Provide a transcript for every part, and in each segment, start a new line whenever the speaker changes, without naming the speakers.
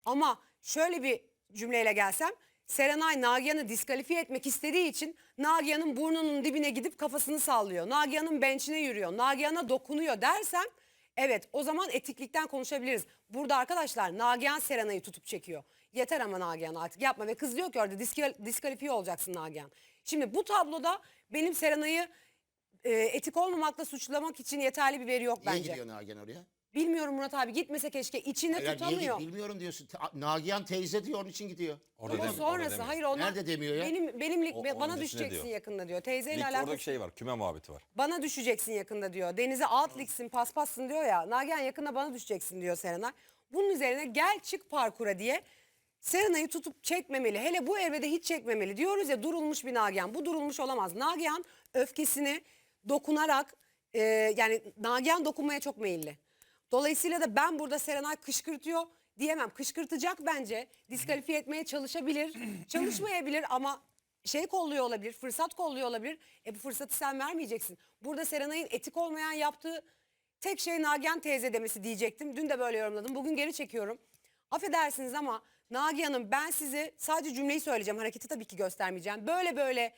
Ama şöyle bir cümleyle gelsem, Serenay Nagihan'ı diskalifiye etmek istediği için Nagihan'ın burnunun dibine gidip kafasını sallıyor. Nagihan'ın bençine yürüyor. Nagihan'a dokunuyor dersem, evet, o zaman etiklikten konuşabiliriz. Burada arkadaşlar Nagihan Serenay'ı tutup çekiyor. Yeter ama Nagihan, artık yapma. Ve kız diyor ki orada diskalifiye olacaksın Nagihan. Şimdi bu tabloda benim Serenay'ı etik olmamakla suçlamak için yeterli bir veri yok
Niye
bence.
gidiyor Nagihan oraya?
Bilmiyorum Murat abi, gitmese keşke, içinde
Hayır,
tutamıyor.
bilmiyorum diyorsun. Nagihan teyze diyor, onun için gidiyor.
Orada
Ama
demiyor, orada
sonrası
demiyor.
hayır, onlar
Nerede demiyor ya?
benimlik
Onun
bana
öncesinde
düşeceksin
diyor.
yakında diyor. Teyzeyle
Lig,
alakası.
oradaki şey var, küme muhabbeti var.
Bana düşeceksin yakında diyor. Denize alt ligsin, paspassın diyor ya. Nagihan yakında bana düşeceksin diyor Serenay. Bunun üzerine gel çık parkura diye Serenay'ı tutup çekmemeli. Hele bu evrede hiç çekmemeli. Diyoruz ya, durulmuş bir Nagihan. Bu durulmuş olamaz. Nagihan öfkesini dokunarak yani Nagihan dokunmaya çok meyilli. Dolayısıyla da ben burada Serenay kışkırtıyor diyemem. Kışkırtacak bence. Diskalifiye etmeye çalışabilir. Çalışmayabilir ama şey kolluyor olabilir. Fırsat kolluyor olabilir. Bu fırsatı sen vermeyeceksin. Burada Serenay'ın etik olmayan yaptığı tek şey Nagihan teyze demesi diyecektim. Dün de böyle yorumladım. Bugün geri çekiyorum. Affedersiniz ama Nagihan'ım, ben size sadece cümleyi söyleyeceğim. Hareketi tabii ki göstermeyeceğim. Böyle böyle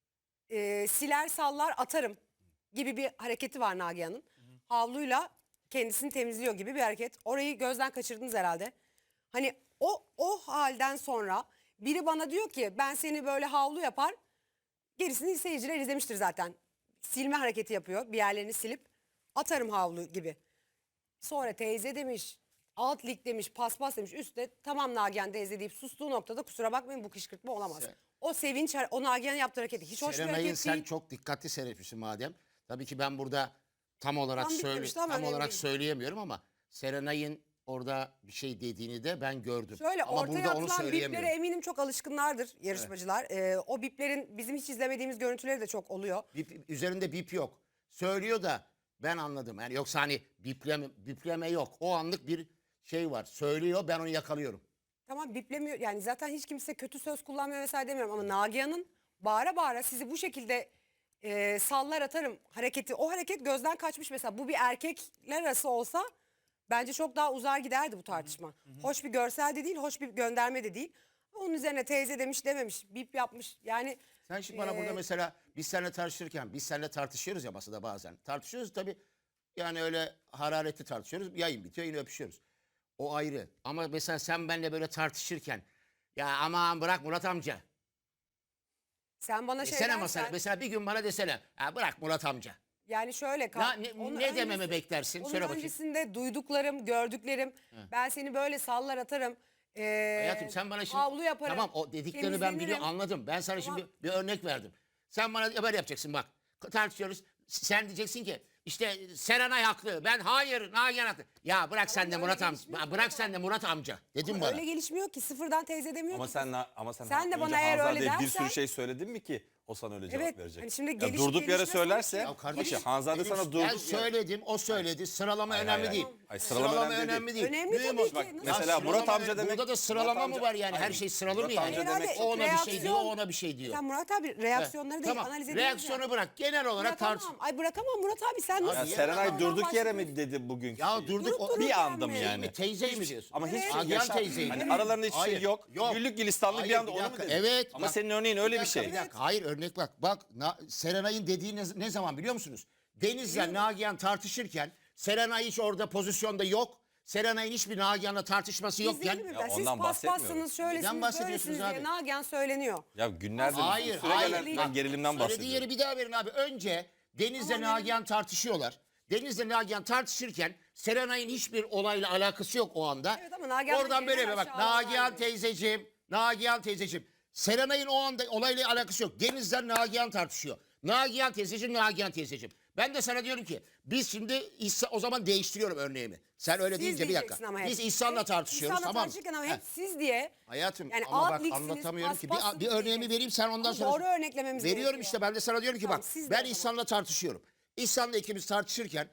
siler sallar atarım gibi bir hareketi var Nagihan'ın. Havluyla kendisini temizliyor gibi bir hareket. Orayı gözden kaçırdınız herhalde. Hani o halden sonra biri bana diyor ki ben seni böyle havlu yapar. Gerisini seyirciler izlemiştir zaten. Silme hareketi yapıyor. Bir yerlerini silip atarım havlu gibi. Sonra teyze demiş, alt lig demiş, paspas demiş, üstte tamam Nagihan teyze deyip sustuğu noktada kusura bakmayın bu kışkırtma olamaz. O sevinç, o Nagihan'ın yaptığı hareketi hiç hoş bir
Serenay'ın
hareket
sen
değil.
çok dikkatli seyretmişsin madem. Tabii ki ben burada tam olarak
Tam bitmemişti ama önemli değil.
söyleyemiyorum ama Serenay'ın orada bir şey dediğini de ben gördüm.
Şöyle
Ama
ortaya
burada onu
atılan biplere
söyleyemiyorum.
eminim çok alışkınlardır yarışmacılar. O biplerin bizim hiç izlemediğimiz görüntüleri de çok oluyor.
Üzerinde bip yok. Söylüyor da ben anladım. Yani yoksa hani bipleme yok. O anlık bir şey var. Söylüyor, ben onu yakalıyorum.
Tamam, biplemiyor yani, zaten hiç kimse kötü söz kullanmıyor vesaire demiyorum ama Nagihan'ın bağıra bağıra sizi bu şekilde sallar atarım hareketi, o hareket gözden kaçmış. Mesela bu bir erkekler arası olsa bence çok daha uzar giderdi bu tartışma. Hoş bir görsel de değil, hoş bir gönderme de değil. Onun üzerine teyze demiş dememiş, bip yapmış yani.
Sen şimdi bana burada mesela biz seninle tartışıyoruz ya masada bazen. Tartışıyoruz tabii, yani öyle hararetli tartışıyoruz. Yayın bitiyor, yine öpüşüyoruz. O ayrı. Ama mesela sen benimle böyle tartışırken ya aman bırak Murat amca.
Sen bana şey
Desene
dersen,
mesela bir gün bana desene ya bırak Murat amca.
yani şöyle
Ne dememi beklersin?
Onun
Söyle bakayım.
öncesinde duyduklarım, gördüklerim, ben seni böyle sallar atarım.
Hayatım sen bana şimdi
havlu yaparım.
tamam, o dediklerini ben biliyorum,
temizlenirim.
anladım. Ben sana
Tamam.
şimdi bir örnek verdim. Sen bana haber yapacaksın bak. Tartışıyoruz. Sen diyeceksin ki işte Serenay haklı. Ben hayır, Nagihan haklı. Ya bırak sen de
öyle
Murat amca.
gelişmiyor
Bırak sen de Murat amca. Dedim bana.
Öyle gelişmiyor ki, sıfırdan teyze demiyor
Ama
ki.
sen
de
önce
bana eğer öyle
Hanzade'ye bir
dersen-
sürü şey söyledin mi ki o sana öyle cevap
Evet,
verecek?
hani şimdi
Ya
gelişip
durduk yere
gelişmez
söylerse,
sanki.
Ya kardeşim,
Hanzade
benim-
sana
ben
durduk yere.
söyledim, o söyledi. Sıralama
Hayır,
önemli
hayır,
değil.
hayır. Hayır, sıralama önemli değil.
Önemli
Mühim
tabii
o.
ki.
Bak,
Nasıl?
mesela Murat amca demek.
Burada da sıralama
Murat
mı
amca-
var yani? Her
Hayır,
şey sıralı mı
Murat
yani?
amca demek.
O ona bir şey diyor, o
reaksiyon-
ona bir şey diyor.
Sen Murat abi reaksiyonları değil,
Tamam.
analiz ediyoruz
Reaksiyonu
ya.
bırak. Genel olarak tartış.
Bırakamam. Ay bırakamam Murat abi, sen nasıl?
Ya
Niye?
Serenay
Ondan
durduk yere
başlıyorsun.
mi dedi bugün?
Ya durduk.
Durup
bir
dururken
anda mı
mi?
yani?
Teyzeyi mi diyorsun?
Ama hiç
Nagihan
yaşa-
teyzeyi.
Hani aralarında hiç şey
Hayır,
yok. Güllük gülistanlık bir
Hayır,
anda onu mu
dakika.
dedi?
Evet.
Ama
bak,
senin örneğin öyle bir şey.
Bir dakika. Hayır, örnek bak. Bak Serenay'ın dediği ne zaman biliyor musunuz? Deniz'le Nagihan tartışırken Serenay hiç orada pozisyonda yok. Serenay'ın hiçbir Nagihan'la tartışması yokken.
İzleyelim mi?
Ya
Siz
ondan
paspassınız,
bahsetmiyorum.
şöylesiniz,
Neden bahsediyorsunuz
böylesiniz diye
abi?
Nagihan söyleniyor.
Ya günlerdir
Hayır,
süre
hayır.
gelen
Bak,
gerilimden
söylediği
bahsediyorum.
yeri bir daha verin abi. Önce Deniz'le Nagihan tartışıyorlar. Deniz'le Nagihan tartışırken Serenay'ın hiçbir olayla alakası yok o anda.
Evet ama Nagihan da
oradan böyle
genel
bir bak.
aşağılama
Nagihan
var.
teyzeciğim, Nagihan teyzeciğim. Serenay'ın o anda olayla alakası yok. Deniz'le Nagihan tartışıyor. Nagihan teyzeciğim, Nagihan teyzeciğim. Ben de sana diyorum ki biz şimdi o zaman değiştiriyorum örneğimi. Sen öyle
Siz
deyince bir dakika.
diyeceksin ama hep.
Biz İhsan'la tartışıyoruz,
İhsan'la
tamam mı?
tartışırken ama
Heh.
hep siz diye.
Hayatım
Yani
ama
alt
bak
ligsiniz,
anlatamıyorum ki.
paspassınız
Bir örneğimi
diyeceksin.
vereyim, sen ondan
Ama
sonra.
doğru örneklememiz
Veriyorum
gerekiyor.
işte, ben de sana diyorum ki
Tamam,
bak
siz de o
ben
zaman.
İhsan'la tartışıyorum. İhsan'la ikimiz tartışırken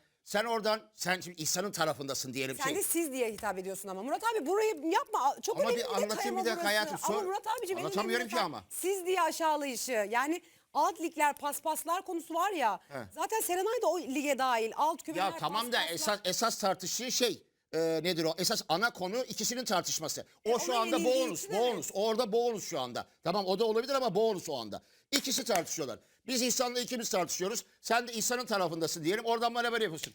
sen şimdi İhsan'ın tarafındasın diyelim.
Sen de siz diye hitap ediyorsun ama. Murat abi burayı yapma. Çok
Ama
önemli
bir
detay
anlatayım
ama
bir dakika
burası.
hayatım.
Ama Murat abiciğim en
Anlatamıyorum
önemli
ki
detay
ama.
siz diye aşağılayışı. Yani alt ligler, paspaslar konusu var ya.
He.
Zaten Serenay da o lige dahil. Alt kümeler,
Ya tamam da
paspaslar.
esas tartıştığı şey nedir o? Esas ana konu ikisinin tartışması. O şu
ona
anda
yenildiği
bonus,
için evet.
bonus. Orada bonus şu anda. Tamam o da olabilir ama bonus o anda. İkisi tartışıyorlar. Biz İhsan'la ikimiz tartışıyoruz. Sen de İhsan'ın tarafındasın diyelim. Oradan bana böyle yapıyorsun.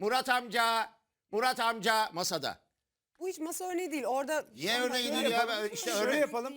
Murat amca masada.
Bu hiç masa örneği değil. Orada
Niye örneği değil ya? İşte
Şöyle
örnek,
yapalım.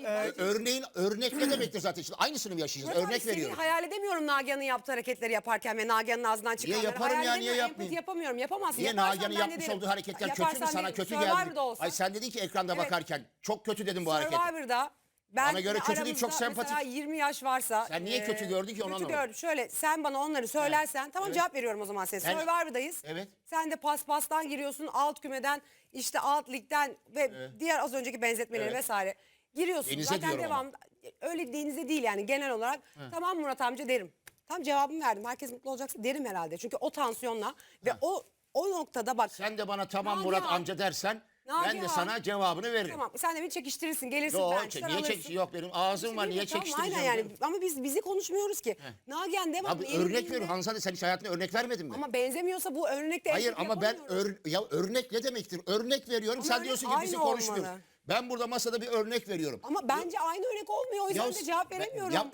örnek ne demektir zaten? Şimdi aynısını mı yaşayacağız?
Murat abi,
Örnek
seni
veriyorum.
hayal edemiyorum Nagihan'ın yaptığı hareketleri yaparken ve Nagihan'ın ağzından çıkanları.
yaparım ya,
Hayal
niye
edemiyorum,
yapmayayım?
empati yapamıyorum. Yapamazsın.
Niye
Yaparsan
Nagihan'ın
ben de
yapmış
derim.
olduğu hareketler kötü mü
Yaparsan
sana
derim.
kötü
Survivor'da
geldi?
olsa.
Ay sen dedin ki ekranda
Evet.
bakarken çok kötü dedim bu hareketi.
Survivor'da ben
Bana göre kötü değil, çok
aramızda
sempatik.
mesela 20 yaş varsa.
Sen niye kötü gördün ki, onu
Kötü
anlamadım.
gördüm. Şöyle sen bana onları söylersen tamam cevap veriyorum o zaman size.
Ben-
Survivor'dayız.
Evet.
Sen de paspastan giriyorsun, alt kümeden, işte alt ligden ve diğer az önceki benzetmeleri
Evet.
vesaire giriyorsun.
Denize
Zaten
diyorum ama.
devam öyle denize değil yani genel olarak. Tamam Murat amca derim. Tam cevabımı verdim. Herkes mutlu olacaksa derim herhalde. Çünkü o tansiyonla ve o noktada bak.
Sen de bana tamam
Nagihan.
Murat amca dersen ben de
Nagihan.
sana cevabını veririm.
Tamam sen de beni çekiştirirsin. Gelirsin
Yok,
ben.
niye çek yok benim ağzım var, niye
Tamam,
çekiştireceğim?
aynen yani.
canım?
Ama biz bizi konuşmuyoruz ki. Nagihan devamlı
Abi örnek
yenildiğinde-
veriyorum. Hanzade sen hiç hayatında örnek vermedin mi?
Ama benzemiyorsa bu örnekte
Hayır
empati
ama ben
yapamıyoruz.
örnek ne demektir? Örnek veriyorum.
Ama
Sen
örnek
diyorsun ki bizi
aynı
konuşmuyoruz.
olmalı.
Ben burada masada bir örnek veriyorum.
Ama bence aynı örnek olmuyor. O yüzden de cevap veremiyorum.
Ya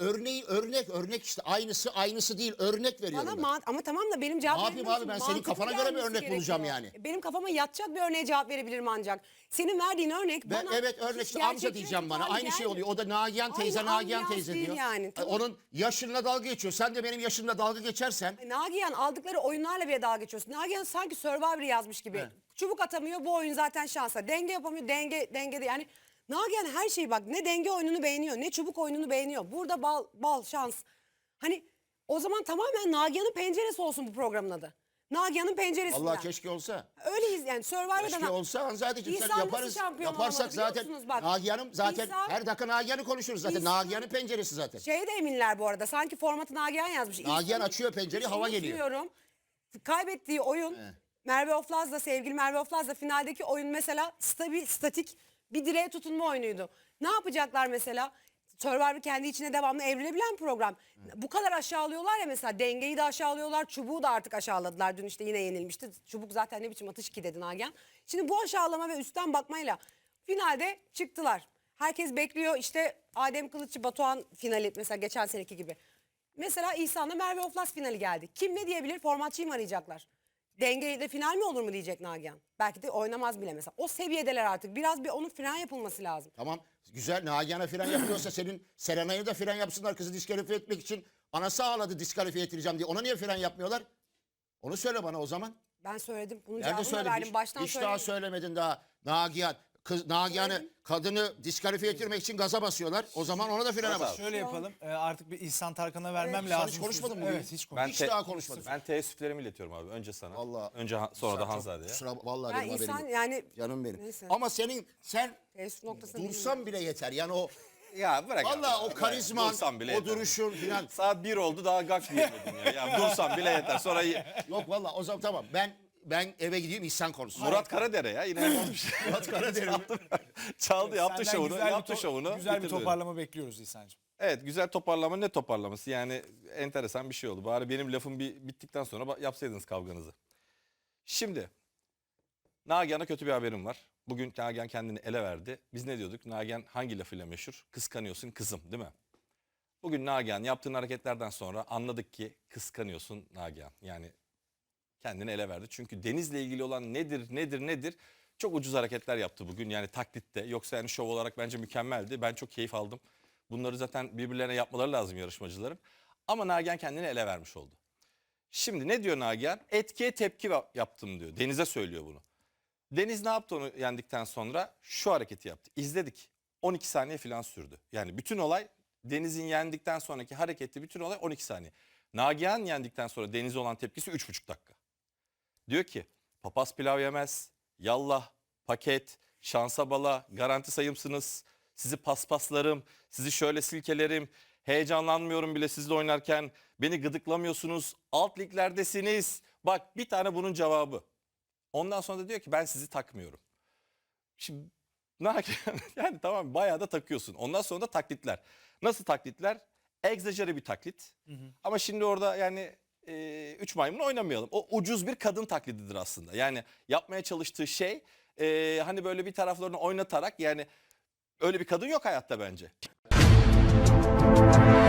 örnek işte aynısı değil, örnek veriyorum.
Bana
ben.
ama tamam da benim cevap
Ne yapayım
vermem
abi, ben
için
senin
mantıklı
kafana göre bir
gelmesi
örnek bulacağım
gerekiyor.
yani.
Benim kafama yatacak bir örneğe cevap verebilirim ancak. Senin verdiğin örnek
Ben,
bana
evet örnek
hiç
işte amca
gerçekçi
diyeceğim bana.
tutar
Aynı şey
gelmiyor.
oluyor. O da Nagihan teyze,
Aynı
Nagihan
ambiyans
teyze
değil
diyor.
yani, tamam.
Onun yaşınla dalga geçiyor. Sen de benim yaşımla dalga geçersen.
Nagihan aldıkları oyunlarla bile dalga geçiyorsun. Nagihan sanki Survivor'ı yazmış gibi.
Evet.
Çubuk atamıyor, bu oyun zaten şansa. Denge yapamıyor, dengede yani. Nagihan her şeyi bak, ne denge oyununu beğeniyor ne çubuk oyununu beğeniyor. Burada bal şans. Hani o zaman tamamen Nagihan'ın penceresi olsun bu programın adı. Nagihan'ın penceresinden.
Allah keşke olsa.
Öyleyiz yani Survivor'da.
Keşke olsa Hanzadeciğim, sen
İhsan nasıl
yaparız.
şampiyon
Yaparsak
olamadı biliyor
zaten
musunuz? Bak,
Nagihan'ım zaten
İhsan-
her dakika Nagihan'ı konuşuruz zaten.
İhsan-
Nagihan'ın penceresi zaten.
Şeye de eminler bu arada. Sanki formatı Nagihan yazmış.
Nagihan
İhsan'ın
açıyor pencereyi,
hiç
hava geliyor.
unutmuyorum. Kaybettiği oyun Merve Oflaz'la, sevgili Merve Oflaz'la finaldeki oyun mesela statik bir direğe tutunma oyunuydu. Ne yapacaklar mesela? Survivor kendi içine devamlı evrilebilen program. Bu kadar aşağılıyorlar ya mesela, dengeyi de aşağılıyorlar, çubuğu da artık aşağıladılar. Dün işte yine yenilmişti. Çubuk zaten ne biçim atış ki dedi Nagihan. Şimdi bu aşağılama ve üstten bakmayla finalde çıktılar. Herkes bekliyor işte Adem Kılıççı Batuhan finali mesela geçen seneki gibi. Mesela İhsan'la Merve Oflaz finali geldi. Kim ne diyebilir? Formatçıyı mı arayacaklar? Dengeyle final mi olur mu diyecek Nagihan. Belki de oynamaz bile mesela. O seviyedeler artık. Biraz bir onun fren yapılması lazım.
Tamam güzel, Nagihan'a fren yapıyorsa senin Serenay'ı da fren yapsınlar, kızı diskalifiye etmek için. Anası ağladı diskalifiye ettireceğim diye. Ona niye fren yapmıyorlar? Onu söyle bana o zaman.
Ben söyledim. Bunun
Nerede
cevabını da
söyledin?
verdim. Baştan
Hiç daha
söyledim.
söylemedin daha. Nagihan'ı, kadını diskalifiye ettirmek için gaza basıyorlar. O zaman ona da frene bas.
Şöyle yapalım. Artık bir İhsan Tarkan'a vermem
Sen
lazım.
hiç konuşmadın mı
Evet
bugün?
hiç
Ben
konuşmadım.
Hiç daha konuşmadım.
Ben teessüflerimi iletiyorum abi. Önce sana.
Vallahi.
Önce sonra da Hanzade'ye.
Vallahi
Ya
benim haberim
insan
yok.
yani
Canım benim.
Neyse.
Ama sen
teessüf noktasında
dursan bile yeter. Yani o
Ya bırak.
vallahi
abi,
o
bırak.
karizman,
Dursam bile
o
yeter.
duruşun filan.
Saat 1 oldu daha gak diyemedim ya. Ya dursam bile yeter. Sonra
Yok vallahi o zaman tamam. Ben eve gideyim İhsan konuşsun.
Murat Karadere ya yine yapmış.
Murat Karadere mi?
Çaldı yaptı
Senden
şovunu.
güzel bir
Yaptı şovunu.
Güzel bir
bitirdi.
toparlama bekliyoruz İhsan'cığım.
Evet güzel toparlama, ne toparlaması yani enteresan bir şey oldu. Bari benim lafım bittikten sonra yapsaydınız kavganızı. Şimdi Nagihan'a kötü bir haberim var. Bugün Nagihan kendini ele verdi. Biz ne diyorduk? Nagihan hangi lafıyla meşhur? Kıskanıyorsun kızım değil mi? Bugün Nagihan yaptığın hareketlerden sonra anladık ki kıskanıyorsun Nagihan. Yani kendini ele verdi. Çünkü Deniz'le ilgili olan nedir? Çok ucuz hareketler yaptı bugün yani taklitte. Yoksa yani şov olarak bence mükemmeldi. Ben çok keyif aldım. Bunları zaten birbirlerine yapmaları lazım yarışmacıların. Ama Nagihan kendini ele vermiş oldu. Şimdi ne diyor Nagihan? Etkiye tepki yaptım diyor. Deniz'e söylüyor bunu. Deniz ne yaptı onu yendikten sonra? Şu hareketi yaptı. İzledik. 12 saniye falan sürdü. Yani bütün olay Deniz'in yendikten sonraki hareketi, bütün olay 12 saniye. Nagihan yendikten sonra Deniz'e olan tepkisi 3,5 dakika. Diyor ki papaz pilav yemez, yallah, paket, şansa bala, garanti sayımsınız, sizi paspaslarım, sizi şöyle silkelerim, heyecanlanmıyorum bile sizle oynarken, beni gıdıklamıyorsunuz, alt liglerdesiniz. Bak bir tane bunun cevabı. Ondan sonra da diyor ki ben sizi takmıyorum. Şimdi yani tamam bayağı da takıyorsun. Ondan sonra da taklitler. Nasıl taklitler? Egzajere bir taklit. Ama şimdi orada yani üç maymun oynamayalım. O ucuz bir kadın taklididir aslında. Yani yapmaya çalıştığı şey hani böyle bir taraflarını oynatarak, yani öyle bir kadın yok hayatta bence.